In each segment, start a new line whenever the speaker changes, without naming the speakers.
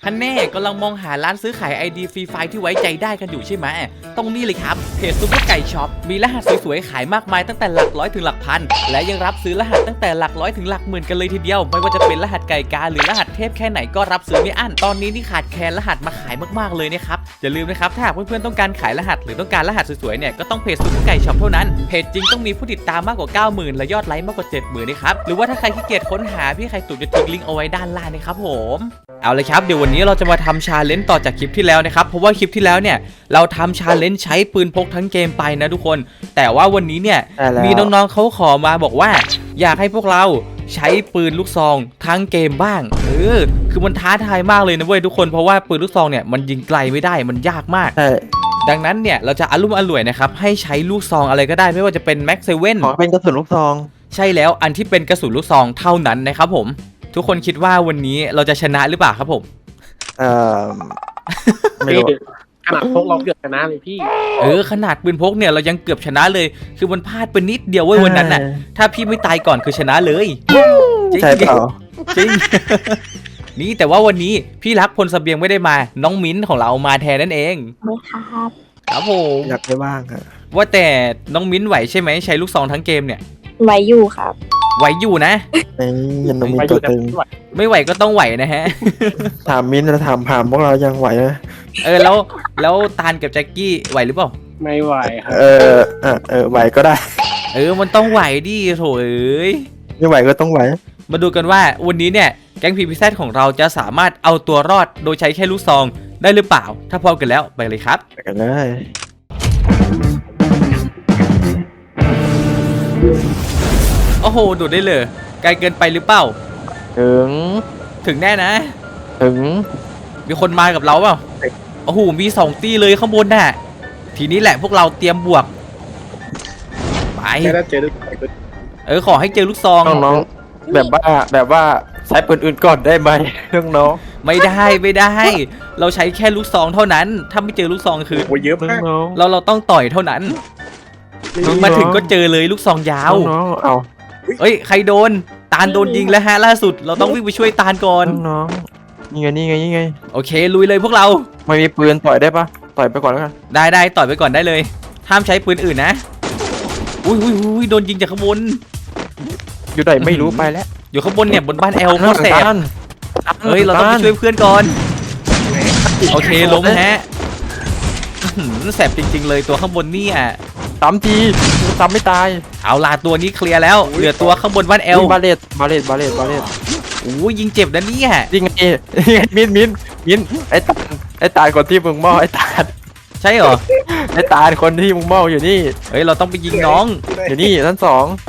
ฮันแน่กำลังมองหาร้านซื้อขาย ID ฟรีไฟที่ไว้ใจได้กันอยู่ใช่ไหมตรงนี้เลยครับเพจซุปเปอร์ไก่ช็อปมีรหัสสวยๆขายมากมายตั้งแต่หลักร้อยถึงหลักพันและยังรับซื้อรหัสตั้งแต่หลักร้อยถึงหลักหมื่นกันเลยทีเดียวไม่ว่าจะเป็นรหัสไก่กาหรือรหัสเทพแค่ไหนก็รับซื้อไม่อั้นตอนนี้นี่ขาดแคลนรหัสมาขายมากๆเลยนะครับอย่าลืมนะครับถ้าหากเพื่อนๆต้องการขายรหัสหรือต้องการรหัสสวยๆเนี่ยก็ต้องเพจซุปเปอร์ไก่ช็อปเท่านั้นเพจจริงต้องมีผู้ติดตามมากกว่า 90,000 และยอดไลค์มากกว่า 70,000นะครับหรือว่าถ้าใครขี้เกียจค้นหาพี่ไข่ตุ๋นจะทิ้งลิงก์เอาไว้ด้านล่างนะครับผมเอาเลยครับเดี๋ยววันนี้เราจะมาทำชาเลนจ์ต่อจากคลิปที่แล้วนะครับเพราะว่าคลิปที่แล้วเนี่ยเราทำชาเลนจ์ใช้ปืนพกทั้งเกมไปนะทุกคนแต่ว่าวันนี้เนี่ยมีน้องๆเขาขอมาบอกว่าอยากให้พวกเราใช้ปืนลูกซองทั้งเกมบ้างคือมันท้าทายมากเลยนะเว้ยทุกคนเพราะว่าปืนลูกซองเนี่ยมันยิงไกลไม่ได้มันยากมากดังนั้นเนี่ยเราจะอารมณ์อร่วยนะครับให้ใช้ลูกซองอะไรก็ได้ไม่ว่าจะเป็นแม็กเซเว่น
ขอเป็นกระสุนลูกซอง
ใช่แล้วอันที่เป็นกระสุนลูกซองเท่านั้นนะครับผมทุกคนคิดว่าวันนี้เราจะชนะหรือเปล่าครับผม
ไม่รู้
ขนาดพกเราเกือบชนะเลยพี่
ขนาดปืนพกเนี่ยเรายังเกือบชนะเลยคือมันพลาดไปนิดเดียวเว้ยวันนั้นน่ะถ้าพี่ไม่ตายก่อนคือชนะเลย
ใช่เปล่า
จริงนี่แต่ว่าวันนี้พี่รักพลเสบียงไม่ได้มาน้องมิ้นของเรามาแทนนั่นเอง
ไม่ครับ
ครับผม
อยากได้บ้างครับ
ว่าแต่น้องมิ้นไหวใช่ไหมใช้ลูกซองทั้งเกมเนี่ย
ไหวอยู่ครับ
ไหวอยู่นะ
ยันมีตัวตึง
ไม่ไหวก็ต้องไหวนะฮะ
ถามมิ้นแล้วถามพวกเรายังไหวไหม
แล้วตาลกับแจ็คกี้ไหวหรือเปล่า
ไม่ไหวครับ
ไหวก็ได้
มันต้องไหวดิโถเอ้ย
ไม่ไหวก็ต้องไหว
มาดูกันว่าวันนี้เนี่ยแก๊งPPZของเราจะสามารถเอาตัวรอดโดยใช้แค่ลูกซองได้หรือเปล่าถ้าพร้อมกันแล้วไปเลยครับ
ไปกันเลย
โอ้โหโดดได้เลยไกลเกินไปหรือเปล่าถึงแน่นะ
ถึง
มีคนมากับเราเปล่าโอ้โหมี2ตีเลยข้างบนน่ะทีนี้แหละพวกเราเตรียมบวกไปขอให้เจอลูกซอง
น้องๆแบบว่าใช้ปืนอื่นก่อนได้ไหมน้อง
ไม่ได้เราใช้แค่ลูกซองเท่านั้นถ้าไม่เจอลูกซองคือ
เยอะมาก
เราต้องต่อยเท่านั้นมาถึงก็เจอเลยลูกซองยาว
เอา
ใครโดนตาลโดนยิงแล้วฮะล่าสุดเราต้องวิ่งไปช่วยตาลก่อน
น้องนี่ไง
โอเคลุยเลยพวกเรา
ไม่มีปืนต่อยได้ปะต่อยไปก่อนแล้วกัน
ได้ต่อยไปก่อนได้เลยห้ามใช้ปืนอื่นนะอุ้ยโดนยิงจากข้างบน
อยู่ไหนไม่รู้ไปแล้ว
อยู่ข้างบนเนี่ยบนบ้านแอลโคตรแสบเราต้องไปช่วยเพื่อนก่อนโอเคล้มฮะแสบจริงๆเลยตัวข้างบนนี่
3 ทีซ้ำไม่ตาย
เอาล่ะตัวนี้เคลียร์แล้วเหลือตัวข้างบนบ้านแอล
บาเลต
โอ้ยยิงเจ็บนะเนี่ย
ยิงไงมิ้นไอ้ตาคนที่มึงเมาไอ้ตา
ใช่เหรอ
ไอ้ตาคนที่มึงเมาอยู่นี่
เราต้องไปยิงน้อง
อยู่นี่ชั้น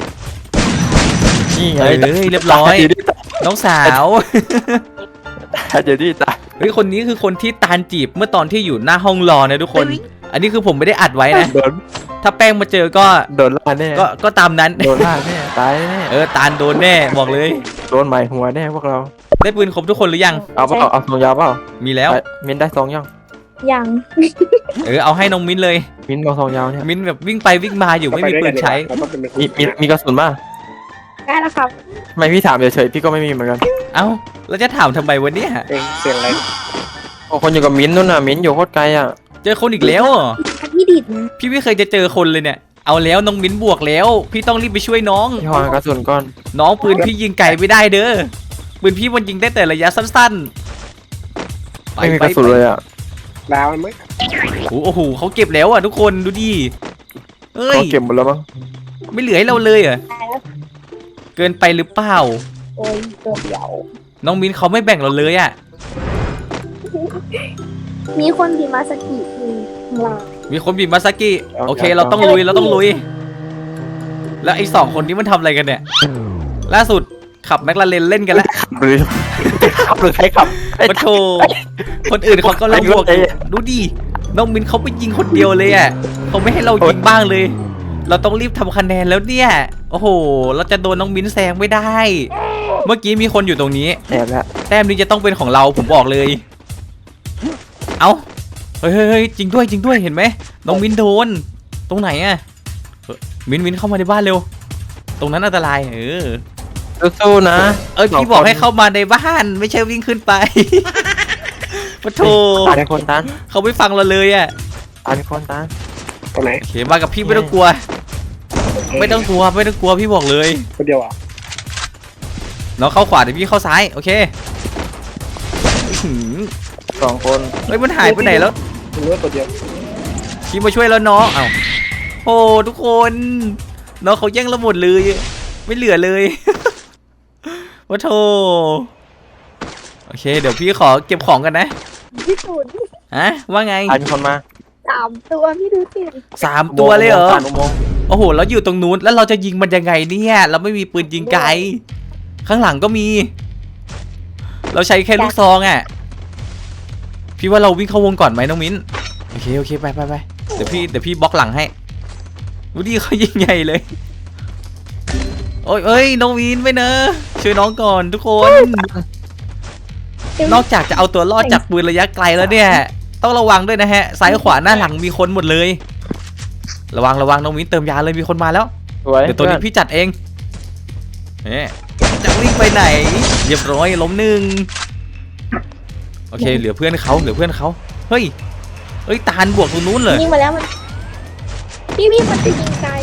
2นี่ไง
เรียบร้อยน้องสาว
เดี๋ยวนี่ตา
คนนี้คือคนที่ตาลจีบเมื่อตอนที่อยู่หน้าห้องรอนะทุกคนอันนี้คือผมไม่ได้อัดไว้นะถ้าแป้งมาเจอก็
โดนล่าแน่
ก็ตามนั้น
โดนล่าแน่ตายแน่
ตาลโดนแน่บอกเลย
โดนหมายหัวแน่พวกเรา
ได้ปืนครบทุกคนหรือยัง
เอาซองยาวเปล่า
มีแล้ว
มิ้นได้ซอง
ยัง
เอาให้น้องมิ้นเลย
มิ้นเอาซองยาวเนี่ย
มิ้นแบบวิ่งไปวิ่งมาอยู่ไม่มีปืนใช้
มีกระสุนป่ะ
ได้แล้วครับ
ไม่พี่ถามเฉยๆพี่ก็ไม่มีเหมือนกัน
แล้วจะถามทำไมวันนี้
เสียงอะไร
คนอยู่กับมิ้นนู่นน่ะมิ้นอยู่โคตรไกล
เจอคนอีกแล้ว
พี่ดิดนะ
พี่ไม่เคยจะเจอคนเลยเนี่ยเอาแล้วน้องมิ้นบวกแล้วพี่ต้องรีบไปช่วยน้อง
พี่หากระสุนก่อน
น้องปืนพี่ยิงไก่ไม่ได้เด้อปืนพี่มันยิงได้แต่ระยะสั้น
ๆไม่มีกระสุนเลย
ดาวมั้ย
โอ้โหเขาเก็บแล้วทุกคนดูดิ
เขาเก็บหมดแล้วมั้ง
ไม่เหลือให้เราเลยเกินไปหรือเปล่า
ตัวเดียว
น้องมิ้นเขาไม่แบ่งเราเลย
มีคนบีมาสกิ
มีคนบีมาสกิโอเคเราต้องลุยแล้วไอ้2 คนนี้มันทำอะไรกันเนี่ยล่าสุดขับแมคลาเรนเล่นกันแล้ว
หรือใครขับ
มาโชว์คนอื่นเขาก็เล่นบวกดูดิน้องมิ้นเขาไปยิงคนเดียวเลยเขาไม่ให้เรายิงบ้างเลยเราต้องรีบทำคะแนนแล้วเนี่ยโอ้โหเราจะโดนน้องมิ้นแซงไม่ได้เมื่อกี้มีคนอยู่ตรงนี้แต้มนี้จะต้องเป็นของเราผมบอกเลยเฮ้ยจริงด้วยเห็นไหมน้องมิ้นโดนตรงไหนมิ้นเข้ามาในบ้านเร็วตรงนั้นอันตราย
สู้ๆนะ
พี่บอกให้เข้ามาในบ้านไม่ใช่วิ่งขึ้นไปปะโถ
ตายในคนตัน
เขาไม่ฟังเราเลยอ่ะ
ตายในคนตัน
ตรงไหน
โอเคมากับพี่ไม่ต้องกลัว ไม่ต้องกลัวไม่ต้องกลัวพี่บอกเลย
คนเดียวอ่ะ
น้องเข้าขวาเดี๋ยวพี่เข้าซ้ายโอเคอื้อหือ
2 คน
เฮ้ยมันหายไปไหนแล้ว
คุณรู้ว่าตัวเดียว
พี่มาช่วยแล้วน้องเอ้าโอ้ทุกคนน้องเขาแย่งเราหมดเลยไม่เหลือเลยวะโธโอเคเดี๋ยวพี่ขอเก็บของกันนะ
พี่ตูน
ฮะว่าไง
ตายมีคนมา
3 ตัวพี่ดูสิ
3 ตัวเลยเหรอ
ผ่านอุโมงค์
โอ้โหแล้วอยู่ตรงนู้นแล้วเราจะยิงมันยังไงเนี่ยเราไม่มีปืนยิงไกลข้างหลังก็มี เราใช้แค่ลูกซองอ่ะพี่ว่าเราวิ่งเข้าวงก่อนไหมน้องมิ้นโอเคโอเคไปไปไปเดี๋ยวพี่บล็อกหลังให้ดูดิเขายิงใหญ่เลยโอ้ยเอ้ยน้องมิ้นไม่เนอะช่วยน้องก่อนทุกคน นอกจากจะเอาตัวรอดจากปืนระยะไกลแล้วเนี่ยต้องระวังด้วยนะฮะซ้ายขวาหน้าหลังมีคนหมดเลยระวังน้องมิ้นเติมยาเลยมีคนมาแล้ว
สวย
เดี๋ยวตัวนี้พี่จัดเองเนี่ยจะวิ่งไปไหนเรียบร้อยล้มหนึ่งโอเคเหลือเพื่อนเขาเฮ้ยตาลบวกตรงนู้นเลย
ยิงมาแล้วมันพี่มันจะยิงไกล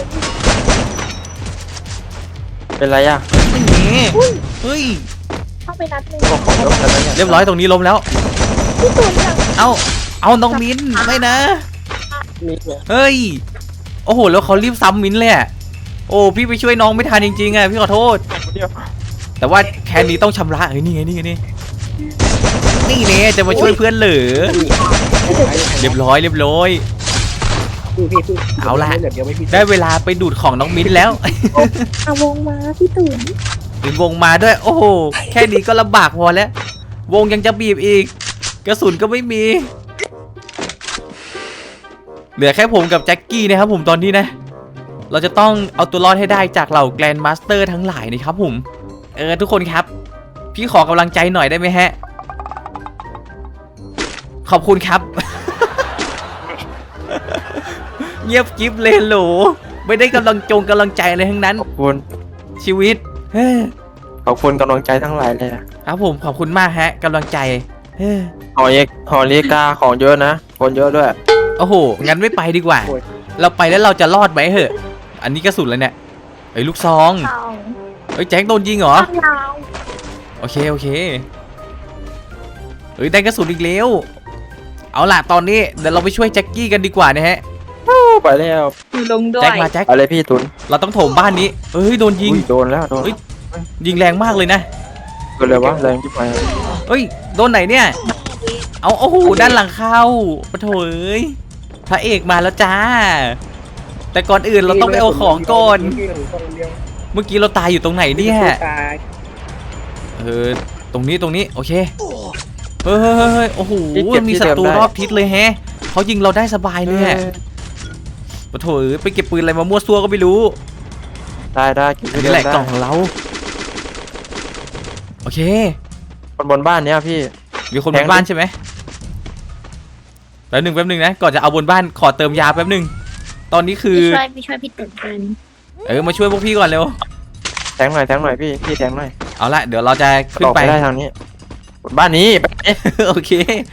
เป็นไรอ่ะ
ไม่หนีเฮ้ย
เข้าไปนัดหนึง
บอกของยกกันแล้วเนี่ย
เรียบร้อยตรงนี้ล้มแล้ว
พี่ตูนยัง
เอาน้องมิ้นไม่นะ
นี่เนี่ย
เฮ้ยโอ้โหแล้วเขารีบซ้ำมิ้นเลยอะโอ้พี่ไปช่วยน้องไม่ทันจริงๆอ่ะพี่ขอโทษ
เดียว
แต่ว่าแค่นี้ต้องชำระเฮ้ยนี่ไงนี่เนี่ยจะมาช่วยเพื่อนเหรือเรียบร้อย
พี่
เอาละ
เดี๋ยวไม่พี่
ได้เวลาไปดูดของน้องมิ้นแล้ว
เอาวงมาพี่ตูน
ถึงวงมาด้วย โอ้โหแค่นี้ก็ลำบากพอแล้ว วงยังจะบีบอีก กระสุนก็ไม่มี เหลือแค่ผมกับแจ็คกี้นะครับผมตอนนี้นะ เราจะต้องเอาตัวรอดให้ได้จากเหล่าแกรนด์มาสเตอร์ทั้งหลายนะครับผมทุกคนครับ พี่ขอกำลังใจหน่อยได้ไหมฮะ ขอบคุณครับ เงียบกิ๊บเลยโหลไม่ได้กำลังใจอะไรทั้งนั้น
ขอบคุณ
ชีวิต
ขอบคุณกำลังใจทั้งหลายเลยอะ
ครับผมขอบคุณมากฮะกำลังใจ
หอเรียกาของเยอะนะคนเยอะด้วย
โอ้โหงั้นไม่ไปดีกว่า เราไปแล้วเราจะรอดไหมเหอะ อันนี้กระสุนแล้วเนี่ยไอ้ยลูกซอง
เอา
เอ้ยแจ็คโดนยิงเหรอ
ข้างเรา
โอเคเอ้ยได้กระสุนอีกแล้วเอาล่ะตอนนี้เดี๋ยวเราไปช่วยแจ็คกี้กันดีกว่านะฮะ
ไปแล้ว
ลงด้ว
แจ็ค
ย
มาแจ็ค
อะไรพี่ตุน
เราต้องโถมบ้านนี้เอ้ยโดนยิง
อุ้โดนแล้วโดน
เฮ้ย ยิงแรงมากเลยนะ
โดนเลยวะแรงที่ไป
เอ้ยโดนไหนเนี่ยเอาโอ้โหด้านหลังเข้าปะโถเอ้ยพระเอกมาแล้วจ้า แต่ก่อนอื่นเราต้องไปเอาของก่อน เมื่อกี้เราตายอยู่ตรงไหนเนี่ย
ตาย
ตรงนี้โอเคเฮ้ยโอ้โหมีศัตรูรอบทิศเลยแฮะเขายิงเราได้สบายเลยอะปะโถเอ้ยไปเก็บปืนอะไรมามั่วซั่วก็ไม่รู้
ได้กิน
อันนี้แหละกล่องของเราโอเค
คนบนบ้านเนี้ยพี่
มีคนบนบ้านใช่ไหมแป๊บหนึ่งนะก่อนจะเอาบนบ้านขอเติมยาแป๊บหนึ่งตอนนี้คือ
พี่ช่วยพี่ตูนกัน
มาช่วยพวกพี่ก่อนเร็ว
แทงหน่อยพี่แทงหน่อย
เอาละเดี๋ยวเราจะขึ้น
ออก
ไป
ไปได้ทางนี้บนบ้านนี้ไป
โอเค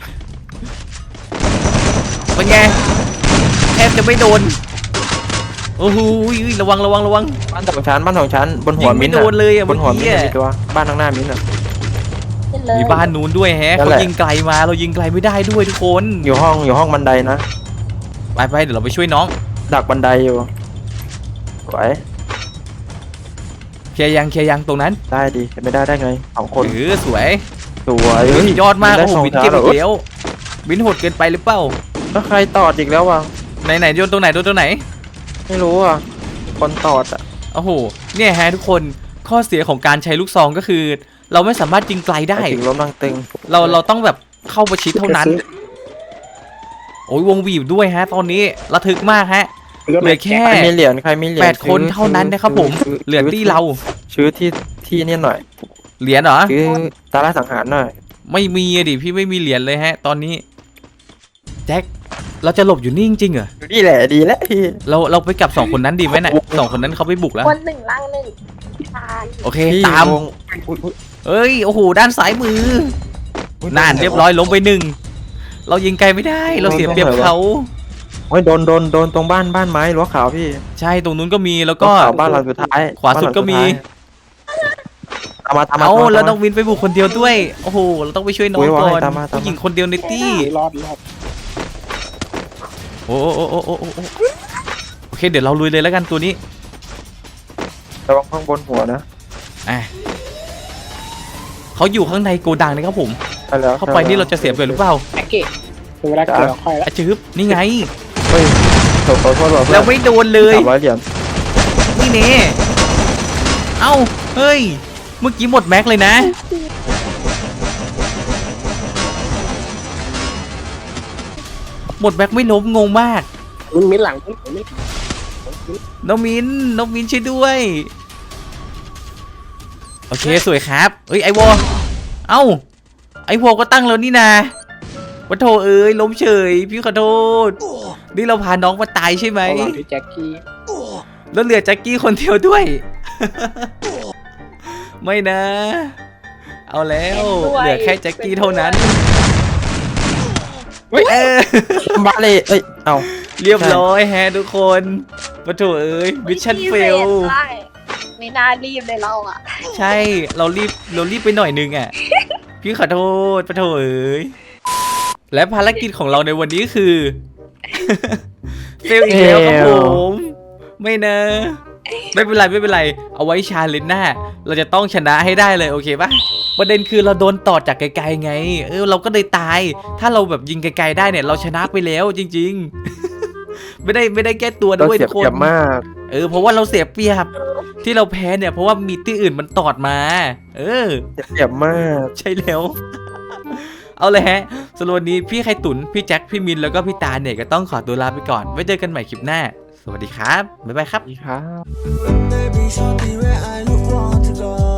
เป็นไงแทบจะไม่โดนโอ้โหระวัง
บ้านสองชั้นบนหั
ยิ
ว
ง
มิ้
ไม่
นท์
โดนเลยอะ
บ
เมื่
น
อ
หัวมิ้น
กี้
ท์
อะ
มีตัวบ้านข้างหน้ามิ้นท์
เล่นเลย
มีบ้านนู้นด้วยแฮะ
นั่น
เขา
แหละ
ยิงไกลมาเรายิงไกลไม่ได้ด้วยทุกคน
อยู่ห้องบันไดนะ
ไปเดี๋ยวเราไปช่วยน้อง
ดักบันไดอยู่ไหว
เคลียร์ยังตรงนั้น
ได้ดีไม่ได้ไง2 คน
สวย
สวย
ยอดมาก
ได้
โอ้โห
สอง
บิน
เท้า
เก็บ
เหรอ
อีกแล้วบินโหดเกินไปหรือเปล่า
แล้วใครตอดอีกแล้ววะ
ไหนโยนตรงไหน
ไม่รู้อ่ะคนตอดอ่ะ
โอ้โหเนี่ยฮะทุกคนข้อเสียของการใช้ลูกซองก็คือ เราไม่สามารถยิงไกลได้
ถึงล้มดังตึง
เราต้องแบบเข้าประชิดเท่านั้น โอ้ยวงบีบด้วยฮะ ตอนนี้ระทึกมากฮะเหลือแค่
ใครมีเหรียญ
8 คนเท่านั้นนะครับผมเหลือที่เรา
ซื้อที่นี่หน่อย
เหรียญเหรอ
ซื้อตาล่าสังหารหน่อย
ไม่มีอะดิพี่ไม่มีเหรียญเลยฮะ ตอนนี้แจ็คเราจะหลบอยู่นี่จริงๆเหรอ
อยู่นี่แหละดีแล้วพี่
เราไปกับ2 คนนั้นดีไหมน่ะ2 คนนั้นเขาไปบุกแล้ว
คนหนึ่งล่างหนึ่งทาน
โอเค
พี่
ตาม
วงอุ๊ย
เอ้ยโอ้โหด้านซ้ายมือ
อุ๊ย
น่านเรียบร้อยล้มไป1 เรายิงไกลไม่ได้ เราเสียเปรียบเขา
โอ้ยโดนตรงบ้านไม้รั้วขาวพี่
ใช่ตรงนู้นก็มีแล้ว
รั้
ก็
วขาวบ้านหลังสุดท้าย
ขวาสุดก็มี
ตามมา
เอาแล้วน้องวินไปบุกคนเดียวด้วยโอ้โหเราต้องไปช่วยน้อง
อุ๊ย
ก่อน
ตามมา
ผู้หญิงคนเดียวในตี้
รอด
โอ้โอเคเดี๋ยวเราลุยเลยแล้วกันตัวนี้
ระวังข้างบนหัวนะ
อ่ะเขาอยู่ข้างในโกดังนะครับผม
ไปแล้ว
เข้าไปนี่เราจะเสียเปรียบหรือเปล่า
แพ็กเกจถึงเวลาเกี่ยวค่อยแล้ว
อะจืบนี่ไง
เฮ้ยขอโทษ
แล้วไม่โดนเลย
300 เหรียญ
นี่เน่เอ้าเฮ้ยเมื่อกี้หมดแม็กเลยนะ หมดแม็กไม่ล้มงงมาก
มิ้นหลังไม่
น้องมินช่วยด้วยโอเคสวยครับเอ้ยไอวอเอ้าไอวอก็ตั้งแล้วนี่นะวัโถเอ้ยล้มเฉยพี่ขอโทษนี่เราพาน้องมาตายใช่ไหม
ระหว่างที่แจ็คกี้
แล้วเหลือแจ็คกี้คนเดียวด้วย ไม่นะ เอาแล้วเหลือแค่แจ็คกี้เท่านั้นเออ
บ้าเลยเอ้ยเอา
เรียบร้อยแฮะทุกคนวัโถเอ้ยมิชชั่นเฟล
ไม่น่ารีบเลยเราอ่ะ
ใช่เรารีบไปหน่อยนึงอ่ะ พี่ขอโทษปะโถเอ้ยและภารกิจของเราในวันนี้คือ เฟลอีกแล้วครับผมไม่นะ ไม่เป็นไรเอาไว้ชาเลนจ์หน้าเราจะต้องชนะให้ได้เลยโอเคปะประเด็นคือเราโดนตอดจากไกลๆไงเราก็เลยตาย ถ้าเราแบบยิงไกลๆได้เนี่ยเราชนะไปแล้วจริงๆ ไม่ได้แก้ตัว
เรา
ด้วย
เสีย
ทุก
เป
ค
รีย
น
บมาก
เพราะว่าเราเสียเปรียบที่เราแพ้เนี่ยเพราะว่ามีที่อื่นมันตอดมา
เสียเปรียบมาก
ใช่แล้ว เอาเลยฮะสำหรับวันนี้พี่ไข่ตุ๋นพี่แจ็คพี่มินแล้วก็พี่ตาเนี่ยก็ต้องขอตัวลาไปก่อนไว้เจอกันใหม่คลิปหน้าสวัสดีครับบ๊ายบายครับ
นี่ครับ
Baby, show me where I look wrong to go.